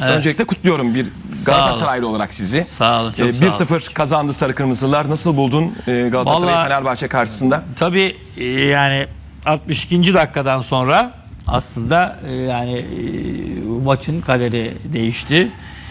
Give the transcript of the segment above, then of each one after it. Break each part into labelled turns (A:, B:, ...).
A: Öncelikle kutluyorum bir Galatasaraylı olarak sizi.
B: Sağ olun, çok sağ olun.
A: 1-0 kazandı Sarı Kırmızılar. Nasıl buldun Galatasaray
B: Vallahi,
A: Fenerbahçe karşısında?
B: Tabii yani 62. dakikadan sonra aslında maçın kaderi değişti.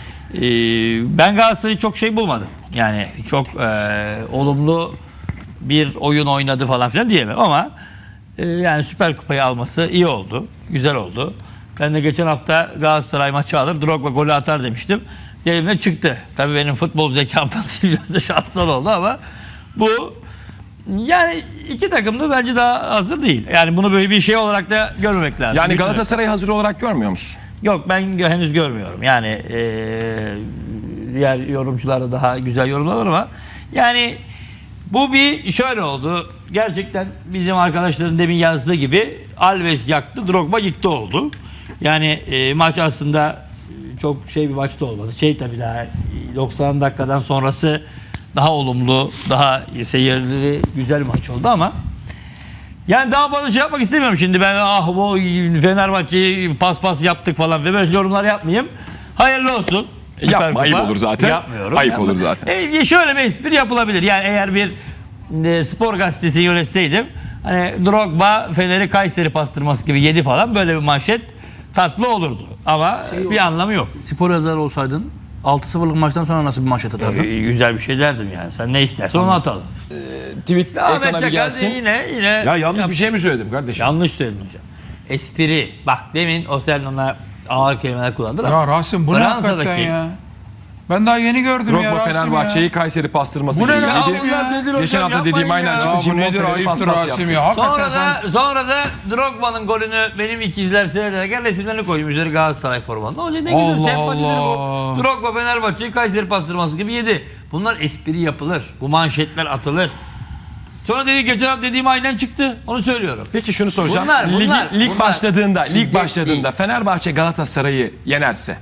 B: Ben Galatasaray'ı çok şey bulmadım. Yani çok olumlu bir oyun oynadı falan filan diyemem ama yani Süper Kupayı alması iyi oldu. Güzel oldu. Ben de geçen hafta Galatasaray maçı alır, Drogba golü atar demiştim. Elimden çıktı. Tabii benim futbol zekamdan değil, biraz da şanslar oldu ama bu yani iki takım da bence daha hazır değil. Yani bunu böyle bir şey olarak da görmemek lazım.
A: Yani Galatasaray'ı hazır olarak görmüyor musun?
B: Yok, ben henüz görmüyorum. Yani diğer yorumcular da daha güzel yorumlar ama yani bu bir şöyle oldu. Gerçekten bizim arkadaşların demin yazdığı gibi Alves yaktı, Drogba yıktı oldu. Yani maç aslında çok şey bir maçta olmadı. Tabii daha 90 dakikadan sonrası daha olumlu, daha seyirli, güzel bir maç oldu ama yani daha fazla şey yapmak istemiyorum şimdi. Ben bu Fenerbahçe'yi pas yaptık falan ve böyle yorumlar yapmayayım. Hayırlı olsun.
A: Yapma, ayıp olur zaten.
B: Yapmıyorum.
A: Ayıp olur zaten.
B: Şöyle bir espri yapılabilir. Yani eğer bir spor gazetesi yönetseydim, hani Drogba Fener'i Kayseri pastırması gibi yedi falan, böyle bir manşet tatlı olurdu. Ama bir anlamı yok.
C: Spor yazarı olsaydın 6-0'lık maçtan sonra nasıl bir manşet atardın?
B: Güzel bir şey derdim yani. Sen ne istersen onu atalım.
A: Tweet
B: Ahmet
A: ekrana bir
B: Çakar
A: gelsin.
B: yine
D: Ya yanlış bir şey mi söyledim kardeşim?
B: yanlış söyledin hocam. Espri. Bak demin o sen ona ağır kelimeler kullandın ama
D: Ya Rasim bu ne hakikaten ya? Ben daha yeni gördüm ya
A: Drogba
D: Rasim
A: Fenerbahçe'yi
D: ya.
A: Kayseri pastırması
D: Bu ne
A: gibi
D: lan?
A: yedi.
B: bunlar nedir hocam?
A: Geçen hafta
B: Yapmayın
A: dediğim aynen
B: ya.
A: çıktı.
D: Ya bu
A: Cimbom
D: nedir
A: Fener'i
D: ayıptır
A: paspas
D: Rasim
A: yaptı.
D: ya. Hakikaten
B: Sonra da Drogba'nın golünü benim ikizler seyrederken resimlerini koydum üzeri Galatasaray formanın. O yüzden ne güzel,
D: Allah
B: sempatidir
D: Allah.
B: bu. Drogba Fenerbahçe'yi Kayseri pastırması gibi yedi. Bunlar espri yapılır. Bu manşetler atılır. Sonra geçen hafta dediğim aynen çıktı. Onu söylüyorum.
A: Peki şunu soracağım.
B: Bunlar
A: Lig başladığında,
B: Şiddet
A: Fenerbahçe Galatasaray'ı yenerse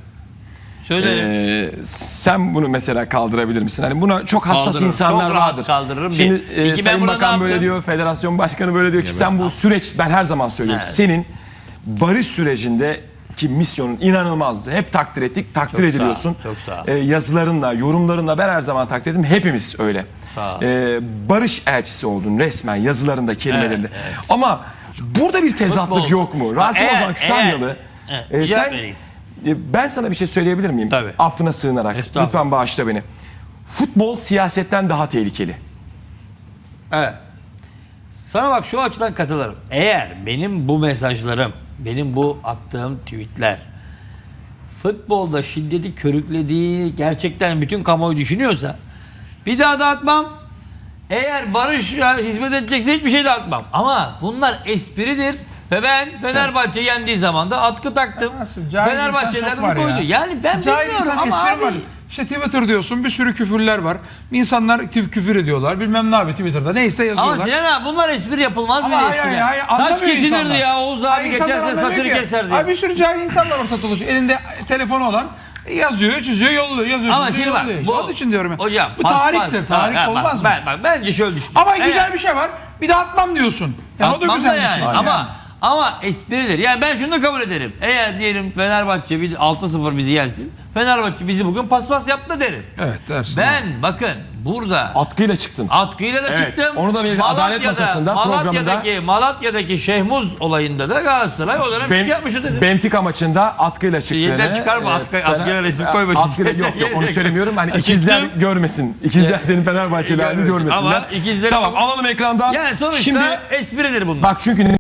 B: Söylerim.
A: sen bunu mesela kaldırabilir misin? Hani buna çok hassas
B: Kaldırırım.
A: insanlar
B: Çok rahat
A: vardır.
B: kaldırırım.
A: Şimdi
B: İki, ben
A: Sayın
B: burada
A: Bakan
B: ne
A: böyle
B: yaptım?
A: diyor, Federasyon Başkanı böyle diyor ki sen bu süreç, ben her zaman söylüyorum.
B: Evet.
A: Senin barış sürecindeki misyonun inanılmazdı. Hep takdir ettik, takdir
B: Çok sağ ol,
A: ediliyorsun.
B: çok sağ ol.
A: Yazılarınla, yorumlarınla ben her zaman takdir ettim. Hepimiz öyle.
B: Sağ ol.
A: Barış elçisi oldun resmen yazılarında, kelimelerinde.
B: Evet, evet.
A: Ama burada bir tezatlık
B: Futbol.
A: yok mu? Rasim Ozan Kütahyalı.
B: Cevap
A: Sen
B: vereyim.
A: ben sana bir şey söyleyebilir miyim?
B: Tabii.
A: Affına sığınarak.
B: Estağfurullah.
A: Lütfen bağışla beni. Futbol siyasetten daha tehlikeli.
B: Evet. Sana bak şu açıdan katılırım. Eğer benim bu mesajlarım, benim bu attığım tweetler futbolda şiddeti körüklediği gerçekten bütün kamuoyu düşünüyorsa bir daha da atmam. Eğer barışa hizmet edecekse hiçbir şey de atmam. Ama bunlar espridir. Ve ben Fenerbahçe yendiği zaman da atkı taktım.
D: Nasıl? Cahil
B: Fenerbahçe'den
D: insan çok var
B: bunu koydu.
D: ya.
B: Yani ben
D: Cahil
B: bilmiyorum
D: insan
B: ama
D: espri
B: abi.
D: var. İşte Twitter diyorsun, bir sürü küfürler var. İnsanlar küfür ediyorlar. Bilmem ne abi Twitter'da neyse yazıyorlar.
B: Ama Sinan abi bunlar espri yapılmaz mı
D: Ama
B: eskiden?
D: hayır,
B: Saç
D: anlamıyor
B: kesilirdi
D: insanlar.
B: ya, Oğuz abi
D: Hayır, insanlar
B: geçerse
D: anlamıyor
B: saçını
D: ki.
B: keserdi.
D: Abi bir sürü cahil insanlar ortada dolaşıyor. Elinde telefonu olan yazıyor, çiziyor, yolluyor, yazıyor,
B: Ama
D: çiziyor,
B: şimdi bak,
D: yolluyor.
B: bu,
D: Onun için diyorum ya.
B: hocam,
D: bu tarihtir. Tarih olmaz mı?
B: Bence şöyle düşün.
D: Ama güzel bir şey var. Bir de atmam diyorsun. Yani o da
B: Atmam
D: güzel
B: da
D: bir
B: yani.
D: şey.
B: Ama espridir. Yani ben şunu da kabul ederim. Eğer diyelim Fenerbahçe 6-0 bizi yensin. Fenerbahçe bizi bugün paspas yaptı derim.
D: Evet dersin.
B: Ben bakın burada
A: Atkıyla çıktın.
B: atkıyla da
A: Evet,
B: çıktım.
A: onu da bir adalet masasında, programında-
B: Malatya'daki Şehmuz olayında da Galatasaray o dönem şike yapmıştı dedim.
A: Benfica maçında atkıyla çıktığını.
B: Yeniden çıkarma, atkıyla resim koyma.
A: Yok onu söylemiyorum. Hani ikizler görmesin. İkizler senin Fenerbahçeli halini görmesinler.
B: Ama ikizleri...
A: Tamam, alalım ekrandan.
B: Yani sonuçta
A: Şimdi
B: espridir bunlar.
A: bak çünkü